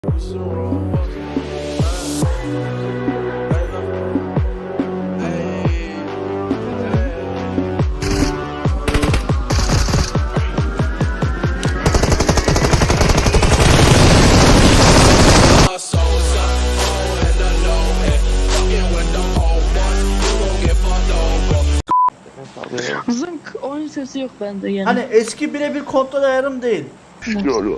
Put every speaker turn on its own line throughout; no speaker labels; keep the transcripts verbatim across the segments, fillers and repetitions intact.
Zınk oyun sesi yok bende yani.
Hani eski birebir kontrol ayarım değil.
Yok.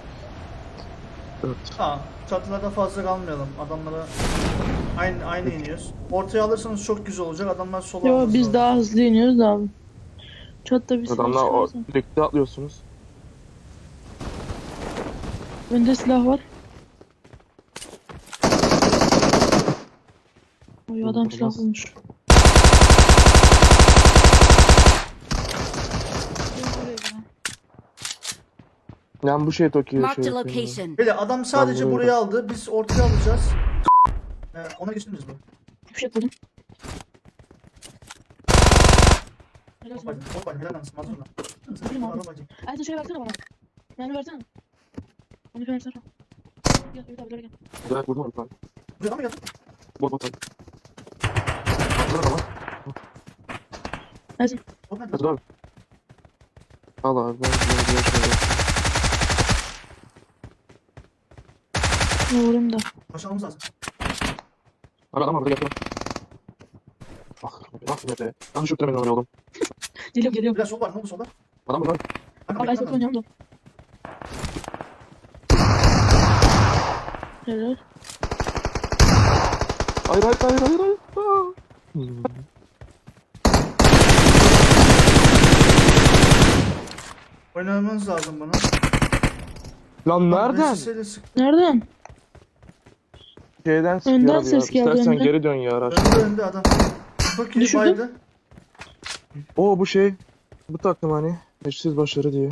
Ha, çatılarda fazla kalmayalım. Adamlara aynı aynı iniyoruz. Ortaya alırsanız çok güzel olacak. Adamlar sola
Yo
alması
biz
lazım.
daha hızlı iniyoruz da abi. Çatta bir silah
Adamlar o
çıkarsa.
birlikte atlıyorsunuz.
Bende silah var. Oy adam
Olmaz.
silah bulmuş.
Yani bu şey Tokyo
Marked
şey.
a location.
Böyle adam sadece
Ben
burayı
buraya-
aldı. Biz ortaya alacağız. Ee, ona geçiniz bu.
Bir şey buldum. Helal
Hoppa,
olsun.
hoppa, helal olsun, mazlum lan.
Benim abi.
Arabacı.
Ayten şey versene bana. Yani versene. Onu versene. Gel bir daha bir daha gel.
Güzel vurdum onu falan.
Buraya mı geldin?
Bot bot. Burada var.
Ersin.
Hop, nerede?
Hadi abi. Al abi ben ben diğer şeyler.
Ne vurayım da.
Başlamamız lazım.
Abi adam var burada gel. Bak bak nerede? Ben şu tremenin oraya oldum.
Geliyorum geliyorum.
Biraz sol var. Ne oldu solda?
Adam burada.
Kanka,
Abi
bekle
Ayten
lan.
oynuyorum da. Helal.
Hayır hayır hayır hayır hayır. Aa. Hmm.
Oynamanız lazım bana.
Lan nereden?
Vesile sık.
Nereden?
Şeyden sıkıyor
Önden
abi ya.
ses geldi,
İstersen
önden.
geri dön ya araç.
Önde önde adam. Çok iyi
Düşürdüm.
baydı.
Oo bu şey. Bu takım hani. Eşsiz başarı diye.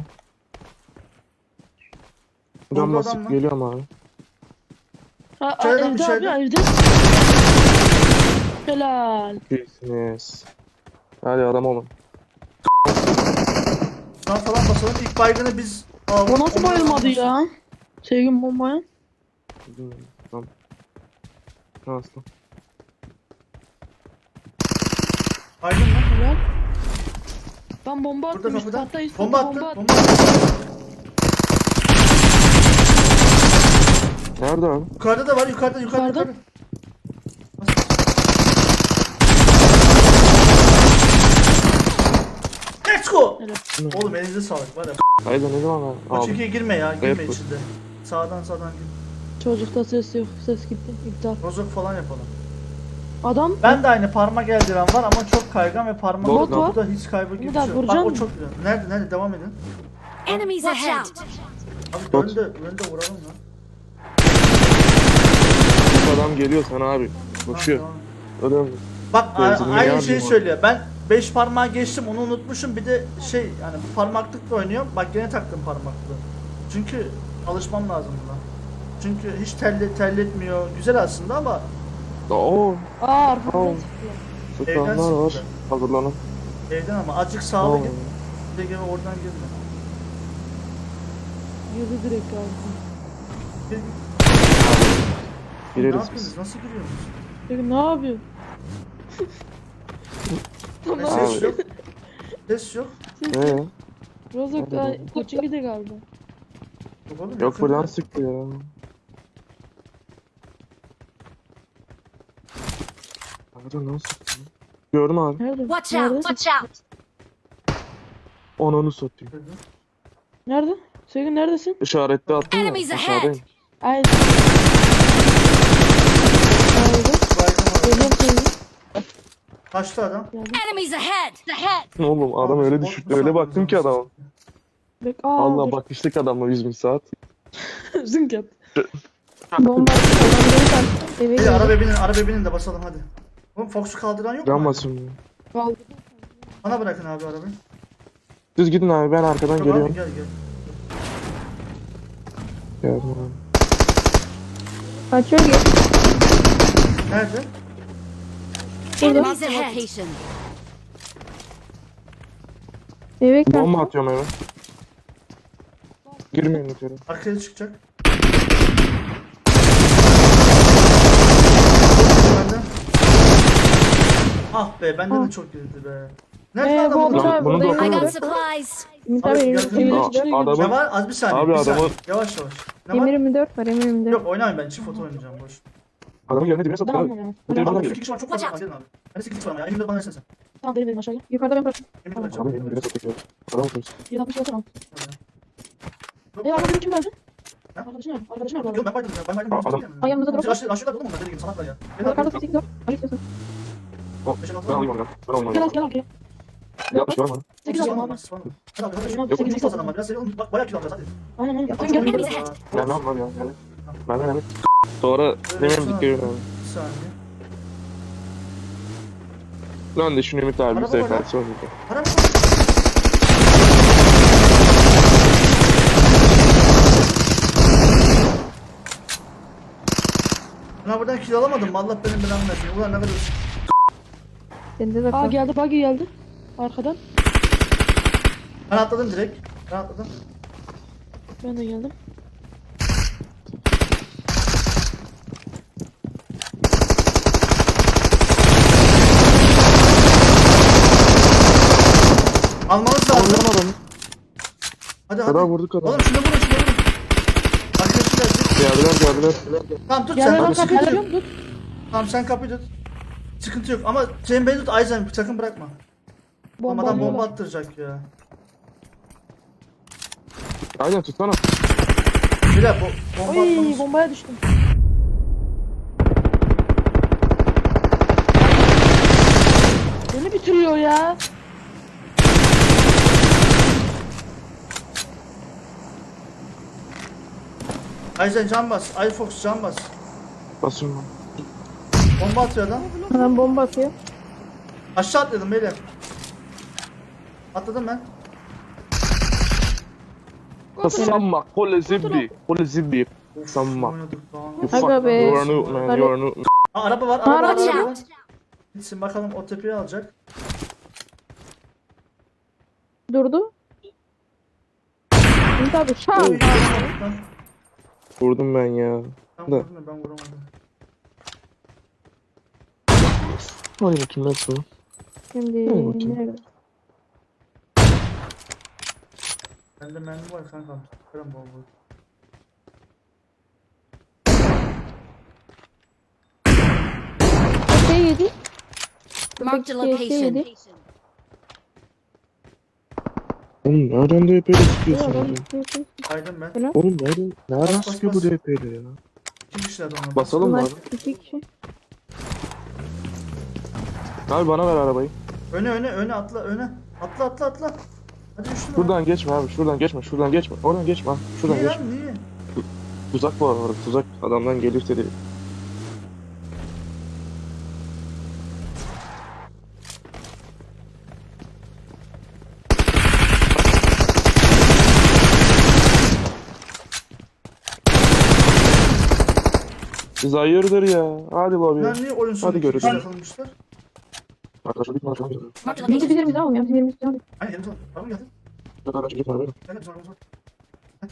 Can
Orada adam
basıp
mı?
geliyorum abi.
Ha, a,
İçeriden,
evde
içeriden.
abi evde. Helal.
İyisiniz. Hadi adam olun.
Şuradan falan basalım. İlk baygını biz aldık.
O nasıl
Ondan
bayılmadı
sonra-
ya? Sevgim bombaya.
Hmm, Tamam. Nasıl?
Baygın mı?
Helal. Ben bomba
Burada
attım işte
kapıda.
hatta üst
Bomba
kata
attı.
bomba attım.
Bomba attı.
Nerede abi?
Yukarıda da var. Yukarıda yukarıda.
Yukarıda.
yukarıda. Let's go.
Helal.
Oğlum elinize sağlık var ya.
Haydi ne zaman abi?
O
Abi.
çekiye girme ya. Girme
Evet, bu.
içinde. Sağdan sağdan gir.
Çocukta ses yok. Ses gitti. İptal.
Rozok falan yapalım.
Adam
Ben de aynı parmak eldiven var ama çok kaygan ve parmak
Bot
var.
burada hiç kaybı gibi bir
Umut
şey
abi,
yok. Bak
vuracak
o
mı?
çok güzel. Nerede nerede devam edin.
Enemies ahead.
Abi
Bot.
önde önde vuralım lan.
Bu adam geliyor sana abi. Koşuyor.
Tamam, tamam.
Öyle mi?
Bak a-
Benzinini
aynı
yardım
şeyi
abi.
söylüyor. Ben beş parmağı geçtim onu unutmuşum. Bir de şey yani bu parmaklıkla oynuyorum. Bak gene taktım parmaklığı. Çünkü alışmam lazım buna. Çünkü hiç terle, terletmiyor. Güzel aslında ama
Oo.
aa arkamdan
Tamam.
çıktı.
Evden
Sıkanlar var.
sıktı.
Hazırlanın.
evden ama azıcık sağlı
Tamam.
git. Bir de gene oradan girme.
Girdi direkt abi.
Gir, gir. Ne
Gireriz
yapıyorsunuz?
biz.
Nasıl giriyorsunuz?
Peki ne yapıyor?
Ne
Tamam.
ses yok. Ses yok.
Ee,
Rozok da koçingi de galiba.
Yok, oğlum,
yok
yakında.
buradan sıktı ya. Nerede lan sıktı? Gördüm abi.
Nerede?
Watch
Nerede?
out. Watch out.
Onu satayım.
Nerede? Sevgin neredesin?
İşaretli attım ya.
Enemies ahead.
Aşağıdayım.
Ay. Nerede?
Baygın var.
Geliyorum sevgin.
Kaçtı adam.
Geldim.
Enemies ahead. Ahead.
Oğlum adam öyle
Bot
düşüktü.
mu
Öyle
sandınız
baktım ki
onu?
adama.
Bek aa
Allah
dur.
bakıştık adamla yüz bin saat.
Zınk yap. Bomba attı. Adamları taktı. Eve
Hadi
geldi.
araba binin, araba binin de basalım hadi. Oğlum Fox'u kaldıran yok mu?
Can basın.
Kaldı.
Bana bırakın abi arabayı.
Düz gidin abi ben arkadan
Tamam
geliyorum.
gel gel.
Geldim abi.
Kaçıyor gel.
Nerede?
Enemies ahead. Location.
Eve kaç.
Bomba atıyorum eve. Girmeyin içeri.
Arkaya çıkacak. Ah be benden
Ah.
de çok girdi be. Nerede
Ee,
adam
bu
bunu?
adam-
Lan bunu da
I
okuyamadım.
got supplies.
Ümit
Abi,
abi
gel-
evin
Aa,
içine
Ne
adamın
var? Az bir saniye.
Abi
bir saniye.
adamın-
Yavaş yavaş. Ne var?
Emir yirmi dört var Emir yirmi dört.
Yok oynamayın ben çift foto oynayacağım boş.
adamın yerine dibine
Ben
satıyor abi.
anlamıyorum.
Bu telefondan
Abi
geliyor.
iki kişi var çok fazla var gelin abi. Hadi sekiz kişi var ama ya. Elimde bana versene sen.
Tamam benim benim aşağıya. Yukarıda ben bıraktım.
Elimde
Tamam.
bırakacağım.
Adamın yerine dibine satıyor. Adamın kimse.
yüz altmış tamam.
Yok,
E arkadaşın kim verdi?
Ha?
Arkadaşın nerede? Arkadaşın nerede?
Yok ben baydım ya. Ben baydım.
Aa, adam-
Ay, yanımızda drop var.
Aşağıda aşağıda oğlum onlar dediğim gibi salaklar ya. Gel
Yukarıda
abi.
sekiz dört. Ay istiyorsun.
O,
Beşe altı
ben
var.
alayım onu. Ben alayım
Gel al
onu.
gel al gel.
Yapmış var mı?
sekiz
Hadi
aldım
abi.
abi.
Hadi abi hadi.
Tamam,
Yok
sekiz,
sekiz
sekiz
adam var. Biraz seri oğlum. Bak bayağı kilo alacağız hadi.
Aynen aynen.
Ya,
Sen gel.
Enemies
gel.
ahead.
Ben ne yapmam ya? Yani. Benden emin. Sonra demem dikkat edin abi.
Bir saniye.
Lan de şunu Ümit abi bir
Araba var
sefer
lan.
sonra.
Para mı? Ya buradan kill alamadım mı? Allah benim belamı versin. Ulan ne kadar...
Denize de
Aa
kal.
geldi buggy geldi. Arkadan.
Ben atladım direkt. Ben atladım.
Ben de geldim.
Almamız lazım.
Anlamadım adamı.
Hadi hadi.
Kadar vurduk adamı.
Oğlum şunu vurun şunu vurun. Arkadaşı geldi.
Geldiler geldiler.
Tamam tut
Gel
sen.
lan
Sıkıntı
kapıyı
yok.
açıyorum dur.
Tamam sen kapıyı tut. Sıkıntı yok ama sen beni tut Ayzen sakın bırakma.
Bomba
Olmadan bomba
bomba.
attıracak ya.
Aynen tutsana.
Bile bo bomba
Oy
atmamız.
bombaya düştüm. Beni bitiriyor ya.
Ayzen can bas. iFox can bas.
Basıyorum.
Bomba atıyor adam.
Adam bomba atıyor.
Aşağı atladım beyler. Atladım ben.
Samma. Kole zibbi. Kole zibbi.
Of,
Samma.
oynadık lan.
You
Aga
fuck.
be.
You are new man. You are new.
Aa, araba var. Araba var.
Araba.
Araba var. Gitsin bakalım o tepeyi alacak.
Durdu. Ümit abi şak.
Oy, ben,
Vurdum ben ya.
ben
Da.
vurdum da ben vuramadım.
Hadi bakayım nasıl?
Şimdi
Hadi bakayım.
nerede?
Bende mermi var kankam. Kırım bol bol.
Şey yedi.
Marked a
Köpek şey yedi.
location.
Oğlum nereden D P'yle
Ya
sıkıyorsun
adam
abi?
şey, şey.
Aydım ben.
Oğlum nereden? Nereden
Bas, bas,
sıkıyor bu
bas.
D P'yle ya?
İki kişiler de onlar.
Basalım mı
Bunlar
abi?
iki kişi.
Abi bana ver arabayı.
Öne öne öne atla öne. Atla atla atla. Hadi üstüne.
Şuradan geçme abi. Şuradan geçme. Şuradan geçme. Oradan geçme abi. Şuradan
Niye
geçme.
lan niye?
Tuzak var orada. Tuzak adamdan gelirse de. Siz hayırdır ya. Hadi
Lan
abi.
niye oyun sonu
Hadi
iki kişi
görüşürüz.
yakalamışlar?
Arkadaşlar bir konuşalım.
Marked a
Bizi
location.
bizim bizi alalım ya. Bizim yerimiz bizi alalım.
Aynen gelin sana. Araba geldi.
Arkadaşlar bir konuşalım.
Gel gel bizim arabamız var. Heh.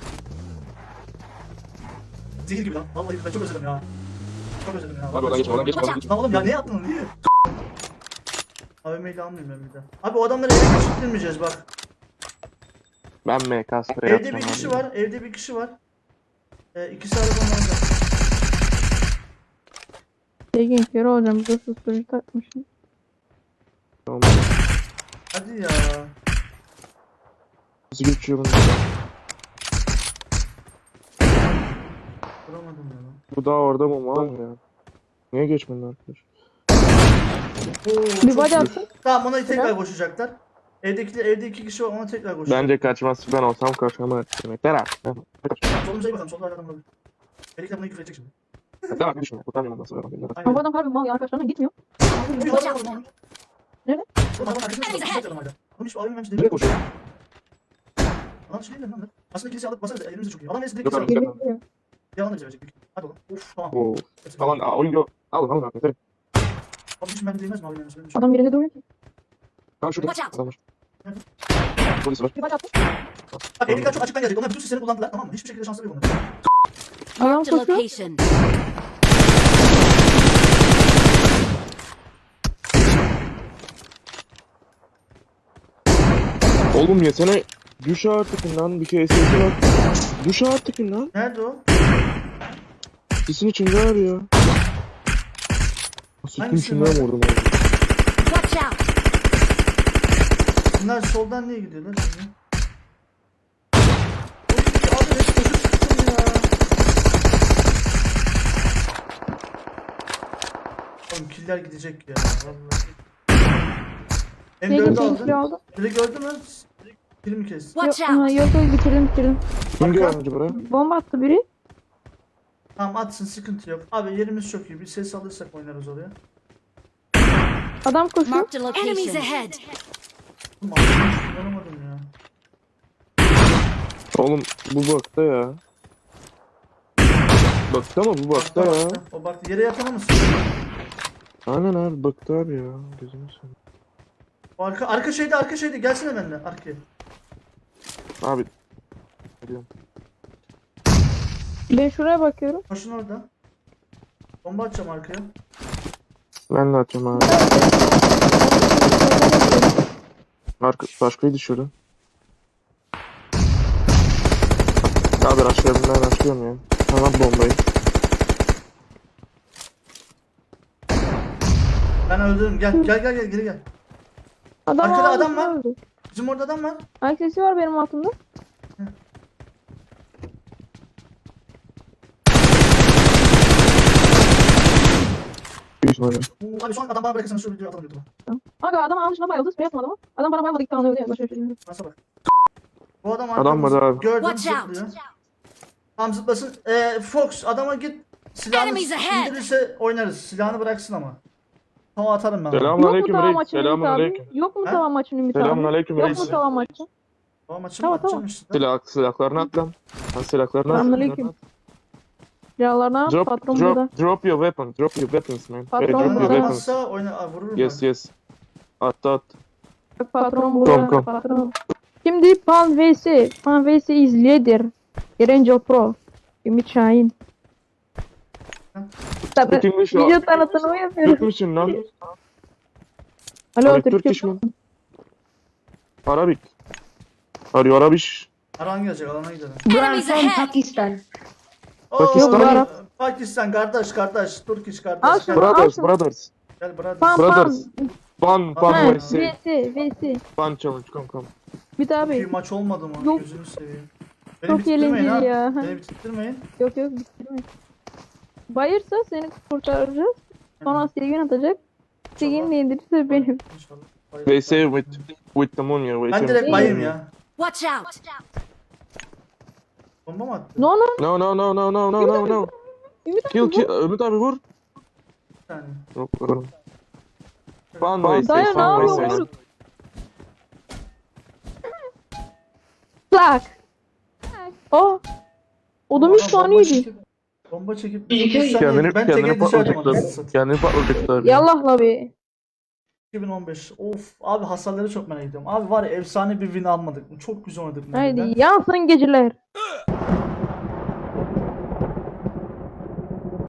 Zehir gibi lan. Vallahi ben çok özledim ya. Çok özledim ya.
Abi oradan geçme. Oradan geçme. Oradan geçme.
Lan oğlum ya ne yaptın niye? A V M'yle almayayım ben bir de. Abi o adamları eve geçirtmeyeceğiz bak.
Ben M K sıfır
Evde
yapacağım
bir kişi
abi.
var. Evde bir kişi var. Ee, ikisi arabanın orada.
Şey gençleri olacağım. Burada susturucu takmışım.
Tamam.
Hadi ya.
Nasıl geçiyor bunu?
Vuramadım ya lan.
Bu daha orada mı var mı ya? Niye geçmedin arkadaş?
Oo,
Bir
çok
body
iyi.
attım.
Tamam ona tekrar koşacaklar. Evdekiler, evde iki kişi var ona tekrar koşacak.
Bence kaçmaz. Ben olsam kaçamaz. Demekler abi.
Solumuza iyi bakalım. Solda adam olabilir. Belki buna küfür edecek şimdi.
Demekler abi düşme. Kurtarmayalım nasıl ben.
Aynen.
Ama bu adam harbi mal ya. Arkadaşlarına gitmiyor.
Watch out.
Nerede?
Oğlum adam arkasına çıkıyor, çıkıyor adam hala. Oğlum hiç abim vermiş
Nereye
değil.
koşuyor?
Lan şey değil lan. Aslında kilise alıp basarız elimizde çok iyi. Adam neyse direkt
Yok
kilise
abi.
alıp.
Geliyor, geliyor.
Yalan da bize verecek. büyük. Hadi oğlum. Uf tamam.
Oo. Aman aa, oyun yok. Alın alın arkadaşlar.
Abi hiç ben değmez mi abi benim söylemiş.
Adam birinde duruyor ki.
Tamam şurada.
Watch out.
Adam var. Polis var.
Bir body attım.
Bak evdekiler çok açıktan gelecek. Onlar bütün sisleri kullandılar tamam mı? Hiçbir şekilde şansları yok onların.
Adam
Marked a
koşuyor.
Oğlum yesene. Düş artık lan. Bir kere sesi bak. Düş artık lan.
Nerede o?
Sesin içinde abi ya. Sesin
Hangisi
içinde
var?
mi vurdum abi?
Watch out!
Bunlar soldan niye gidiyorlar şimdi? Oy, abi hep kötü çıktım ya. Oğlum killer gidecek ya vallahi. M
Ne
dördü
geçen
aldın.
kilo aldım?
Biri gördü mü? Biri mi kesti?
Watch
Yok, aha,
out!
yok yok bitirdim bitirdim.
Kim geldi buraya?
Bomba attı biri.
Tamam atsın sıkıntı yok. Abi yerimiz çok iyi. Bir ses alırsak oynarız oraya.
Adam koşuyor.
Marked a location. Enemies ahead!
Oğlum aklımı kullanamadım ya.
Oğlum bu bakta ya. Bakta mı bu bakta
Baktı,
ya?
baktı. O baktı. Yere yatana mısın?
Aynen abi bakta abi ya. Gözünü seveyim.
O arka, arka şeyde arka şeyde. Gelsene benimle arkaya.
Abi. Geliyorum.
Ben şuraya bakıyorum.
Koşun orada. Bomba atacağım arkaya.
Ben de atacağım abi. Arka, başkayı düşürdü. Abi aşağıya ben açıyorum ya. Tamam bombayı.
Ben öldürdüm. Gel gel gel gel geri gel.
Adam
Arkada
aldı,
adam var.
öldü.
Bizim orada adam var.
Ayak sesi var benim altımda.
Büyük ihtimalle.
Oo, abi şu an adam bana bırakırsanız şu videoyu atalım YouTube'a.
Aga adam almışına bayıldı. Beyaz adamı. Adam bana bayıldı. İlk tane öldü ya. Başka bir şey bilmiyorum.
Nasıl bak. Bu adam
Adam var
arkamızda.
abi.
Gördüm
Watch out!
zıplıyor. Tam zıplasın. Ee, Fox adama git. Silahını
Enemies ahead.
indirirse oynarız. Silahını bıraksın ama. Tamam atarım ben.
Selam.
Yok mu
Aleyküm
tava
reis.
maçın Ümit
Selamun
abi?
aleyküm.
Yok mu
Ha?
tava maçın Ümit abi?
Selamun aleyküm
Yok
reis.
mu tava maçı?
Tamam maçı
Tamam,
mı atacağım
tamam.
işte.
Silah, silahlarını at lan. Lan silahlarını at.
Selamünaleyküm. Silahlarına
Drop,
patron burada.
drop, drop your weapon. Drop your weapons man.
Patron
Hey, drop
burada.
your weapons.
Atamazsa oyna Aa, vururum
Yes
ben.
yes. At at.
Bak patron
Kom,
burada.
kom.
Patron. Şimdi Pan V S. Pan V S is leader. Angel Pro. Ümit Şahin. Tabii.
Speak English
Video
ya.
tanıtımı yapıyorum.
Türk müsün lan?
Alo
Abi
Türkçe.
Turkish mi? Arabik. Are you Arabish?
Aran gelecek alana gidelim.
Enemies ahead!
Pakistan.
Oo,
Pakistan
mı?
Pakistan kardeş kardeş. Turkish
Al
kardeş.
şunu.
Gel,
Brothers,
şunu.
brothers.
gel brother.
Pan pan.
Brothers. Ban, ban
Ha,
Ha,
V S.
V S. V S.
Ban challenge, come come.
Ümit
Bir
abi.
maç olmadı mı?
Yok.
Gözünü seveyim. Beni
Çok
bitirtmeyin
eğlenceli
ha.
ya.
Beni bitirtmeyin.
Yok yok bitirme. Bayırsa seni kurtaracağız. Sonra Silgin atacak. Silgin indirirse benim.
İnşallah.
V S with, with the moon ya.
Ben direkt bayım ya.
Watch out!
Bomba mı attı?
No no.
No no no no no no no no.
Ümit abi
Kill
bu.
kill. Ümit abi vur.
Bir saniye.
Yok vuralım. Ban V S,
Dayı ne
ban V
yapıyor?
S.
Vur. Plak. O. O da üç
Bomba
saniyeydi.
çekip- Bomba çekip
Bir-
bir saniye
Kendini,
ben
kendini
teke düşerdim anasını
patlatacaklar.
satayım.
Kendini patlatacaklar.
Yallah la be.
iki bin on beş. Of abi hasarları çok merak ediyorum. Abi var ya efsane bir win almadık mı? Çok güzel oynadık mı?
Haydi yansın geceler.